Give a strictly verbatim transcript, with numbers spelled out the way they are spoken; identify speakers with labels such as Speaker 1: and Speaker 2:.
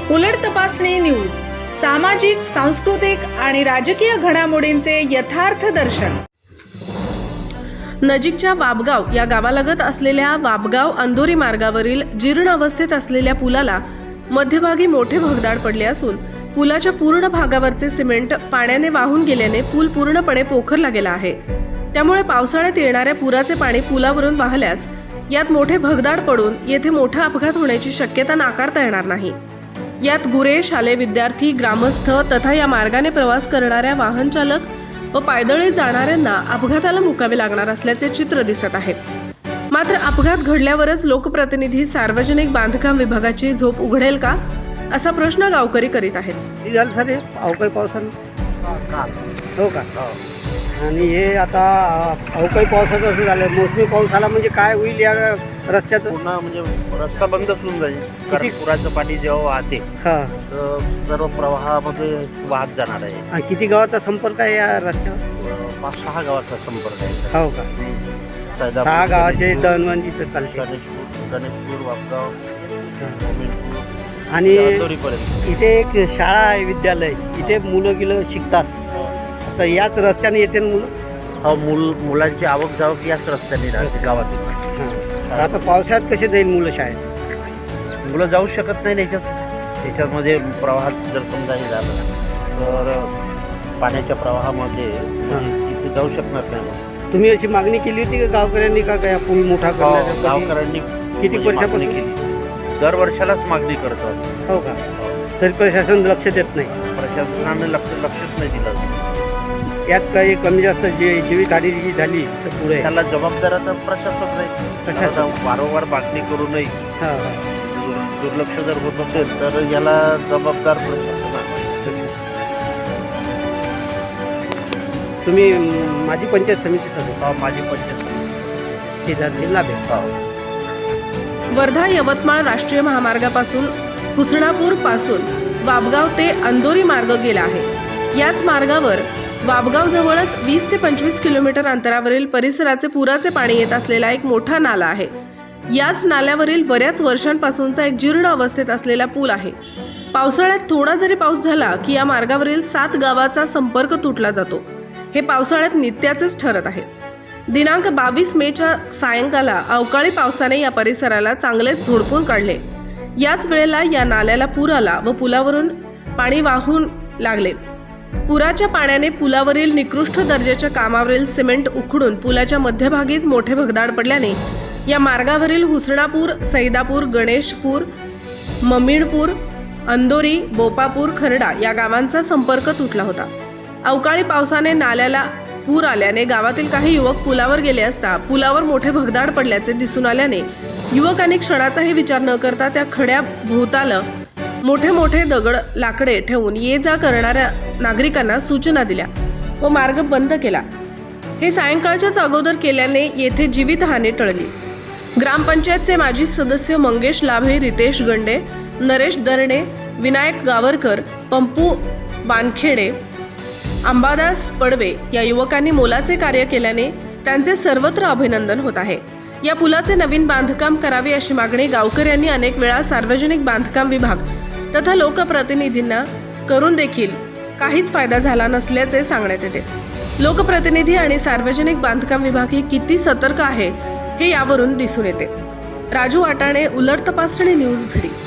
Speaker 1: उलट तपासणी न्यूज, सामाजिक, सांस्कृतिक आणि राजकीय घडामोडींचे यथार्थ दर्शन। नजीकच्या वाबगाव या गावालगत असलेल्या वाबगाव अंदोरी मार्गावरील जीर्ण अवस्थेत असलेल्या पुलाला मध्यभागी मोठे भगदाड पडले असून पुलाच्या पूर्ण भागावरचे सिमेंट पाण्याने वाहून गेल्याने पूल पूर्णपणे पोखरला गेला आहे। त्यामुळे पावसाळ्यात येणाऱ्या पुराचे पाणी पुलावरून वाहल्यास यात मोठे भगदाड पडून येथे मोठा अपघात होण्याची शक्यता नाकारता येणार नाही। यात गुरे, शालेय विद्यार्थी, ग्रामस्थ तथा या मार्गाने प्रवास करणाऱ्या वाहन चालक व पायदळी जाणाऱ्यांना अपघाताला मुकावे लागणार असल्याचे चित्र दिसत आहे। मात्र अपघात घडल्यावरच लोकप्रतिनिधी सार्वजनिक बांधकाम विभागाची झोप उघडेल का असा प्रश्न गावकरी करीत आहेत।
Speaker 2: झालं सर अवकाळी पावसानं हो का आणि हे आता अवकाळी पावसाचं असं झालं, मोसमी पाऊस आला म्हणजे काय होईल या रस्त्याचं?
Speaker 3: पूर्ण म्हणजे रस्ता बंदच होऊन जाईल, कारण पुराचं पाणी जेव्हा वाहते
Speaker 2: हां
Speaker 3: तर सर्व प्रवाहामध्ये वाहत जाणार आहे।
Speaker 2: आणि किती गावाचा संपर्क आहे या रस्त्यावर?
Speaker 3: पाच सहा गावाचा संपर्क आहे।
Speaker 2: हो का,
Speaker 3: सैदापूर,
Speaker 2: सहा गावाचे दळणवळण इथं चालते,
Speaker 3: गणेशपूर गणेशपूर वाबगाव, मोमीनपूर
Speaker 2: आणि
Speaker 3: अंदोरीपर्यंत
Speaker 2: इथे एक शाळा आहे, विद्यालय, इथे मुलं गिलं शिकतात, तर याच रस्त्याने येते ना मुलं?
Speaker 3: हा, मुल मुलांची आवक जावक याच रस्त्याने राहते गावातील।
Speaker 2: हां, आता पावसाळ्यात कसे जाईल मुलं शाळेत?
Speaker 3: मुलं जाऊ शकत नाही त्याच्यात त्याच्यामध्ये प्रवाहात जर समजा हे झालं तर पाण्याच्या प्रवाहामध्ये म्हणजे तिथे जाऊ शकणार नाही।
Speaker 2: तुम्ही अशी मागणी केली होती का गावकऱ्यांनी का काय पूल मोठा करण्यासाठी?
Speaker 3: गावकऱ्यांनी
Speaker 2: किती वर्षापासून
Speaker 3: केली? दर वर्षालाच मागणी करतो।
Speaker 2: हो का, तरी प्रशासन लक्ष देत नाही?
Speaker 3: प्रशासनाने लक्ष लक्षच नाही दिलं।
Speaker 2: यात काही कमी जास्त जे जीवितहानी जी झाली तर पुढे
Speaker 3: त्याला जबाबदार आता प्रशासन नाही।
Speaker 2: प्रशासन
Speaker 3: वारंवार मागणी करू नये,
Speaker 2: हां
Speaker 3: दुर्लक्ष जर होत असेल तर याला जबाबदार प्रशासन आहे।
Speaker 2: तुम्ही माझी पंचायत समिती सदस्य?
Speaker 3: माझी पंचायत समिती
Speaker 2: जिल्हा जिल्हा भेट
Speaker 1: वर्धा यवतमाळ राष्ट्रीय महामार्गापासून हुसणापूर पासून वाबगाव ते अंदोरी मार्ग गेला आहे। याच मार्गावर वाबगाव जवळच वीस ते पंचवीस किलोमीटर अंतरावरील परिसराचे पुराचे पाणी येत असलेला एक मोठा नाला आहे। याच नाल्यावरील बऱ्याच वर्षांपासूनचा एक जीर्ण अवस्थेत असलेला पूल आहे। पावसाळ्यात थोडा जरी पाऊस झाला की या मार्गावरील सात गावाचा संपर्क तुटला जातो। हे पावसाळ्यात नित्याचेच ठरत आहे। दिनांक बावीस मेच्या सायंकाला अवकाळी पावसाने या परिसराला चांगलेच झोडपून काढले। याच वेळेला या नाल्याला पूर आला व पुलावरून पाणी वाहून लागले। पुराच्या पाण्याने पुलावरील निकृष्ट दर्जाच्या कामावरील सिमेंट उखडून पुलाच्या मध्यभागीच मोठे भगदाड पडल्याने या मार्गावरील हुसणापूर, सैदापूर, गणेशपूर, ममीणपूर, अंदोरी, बोपापूर, खरडा या गावांचा संपर्क तुटला होता। अवकाळी पावसाने नाल्याला पूर आल्याने गावातील काही युवक पुलावर गेले असता पुलावर मोठे भगदाड पडल्याचे दिसून आल्याने युवकांनी क्षणाचाही विचार न करता त्या खड्या भोवताल मोठे मोठे दगड लाकडे ठेवून ये जा करणाऱ्या नागरिकांना सूचना दिल्या व मार्ग बंद केला। हे सायंकाळच्याच अगोदर केल्याने येथे जीवितहानी टळली। ग्रामपंचायतचे माजी सदस्य मंगेश लाभे, रितेश गंडे, नरेश दरणे, विनायक गावरकर, पंपू बानखेडे, अंबादास पडवे या युवकांनी मोलाचे कार्य केल्याने त्यांचे सर्वत्र अभिनंदन होत आहे। या पुलाचे नवीन बांधकाम करावे अशी मागणी गावकऱ्यांनी अनेक वेळा सार्वजनिक बांधकाम विभाग तथा लोकप्रतिनिधींना करून देखील काहीच फायदा झाला नसल्याचे सांगण्यात येते। लोकप्रतिनिधी आणि सार्वजनिक बांधकाम विभाग ही किती सतर्क आहे हे यावरून दिसून येते। राजू वाटाणे, उलट तपासणी न्यूज, भिडी।